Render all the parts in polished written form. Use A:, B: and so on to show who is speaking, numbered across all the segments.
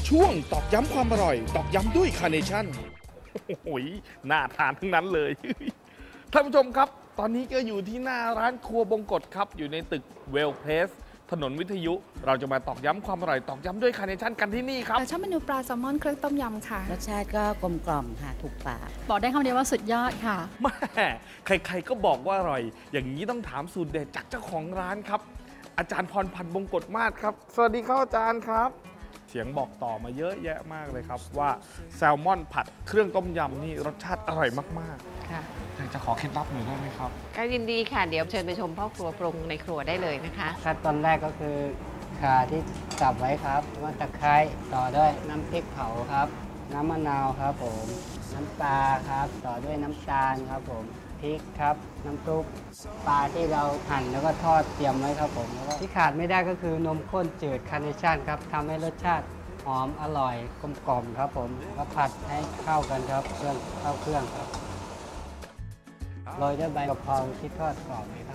A: ช่วงตอกย้ำความอร่อยตอกย้ำด้วยคาร์เนชั่น
B: โอ้โหน่าทานทั้งนั้นเลย ท่านผู้ชมครับ ตอนนี้ก็อยู่ที่หน้าร้านครัวบงกฎครับ อยู่ในตึกเวลเพลสถนนวิทยุ เราจะมาตอกย้ำความอร่อยตอกย้ำด้วยคาร์เนชั่นกันที่นี่ครับ
C: ชอบเมนูปลาแซลมอนเครื่องต้มยำค่ะ
D: รสชาติก็กลมกล่อมค่ะถูกปาก
C: บอกได้คำเดียวว่าสุดยอดค่ะ
B: แม่ใครๆก็บอกว่าอร่อย อย่างนี้ต้องถามสูตรเด็ดจากเจ้าของร้านครับ อาจารย์พรพันธ์บงกฎมาศครับ สวัสดีครับอาจารย์ครับ เสียงบอกต่อมาเยอะแยะมากเลยครับว่าแซลมอนผัดเครื่องต้มยำนี่รสชาติอร่อยมาก
E: ค่ะ
B: ๆอยากจะขอเคล็ดลับหน่อยได้ไหมครับ
E: ก็ยินดีค่ะ เดี๋ยวเชิญไปชมพ่อครัวปรุงในครัวได้เลยนะคะ
F: ขั้นตอนแรกก็คือข่าที่สับไว้ครับแล้วตะไคร้ต่อด้วยน้ำพริกเผาครับ น้ำมะนาวครับผมน้ำปลาครับ ต่อด้วยน้ำตาลครับผมพริกครับน้ำซุปปลาที่เราหั่นแล้วก็ทอดเตรียมไว้ครับผมแล้วก็ที่ขาดไม่ได้ก็คือนมข้นจืดคาร์เนชั่นครับทำให้รสชาติหอมอร่อยกลมกล่อมครับผมก็ผัดให้เข้ากันครับเครื่องเข้าเครื่องครับโรยด้วยใบกะเพราที่ทอดกรอบไหมครับ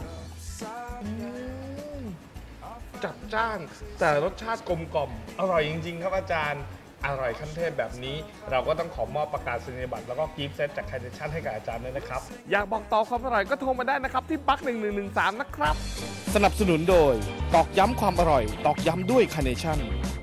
B: จัดจ้านแต่รสชาติกลมกล่อมอร่อยจริง ๆ ครับอาจารย์อร่อยขั้นเทพแบบนี้เราก็ต้องขอมอบประกาศนียบัตรแล้วก็กิฟต์เซตจากคาร์เนชั่นให้กับอาจารย์ด้วยนะครับ อยากบอกต่อความอร่อยก็โทรมาได้นะครับที่ปัก1113นะครับ
A: สนับสนุนโดยตอกย้ำความอร่อยตอกย้ำด้วยคาร์เนชั่น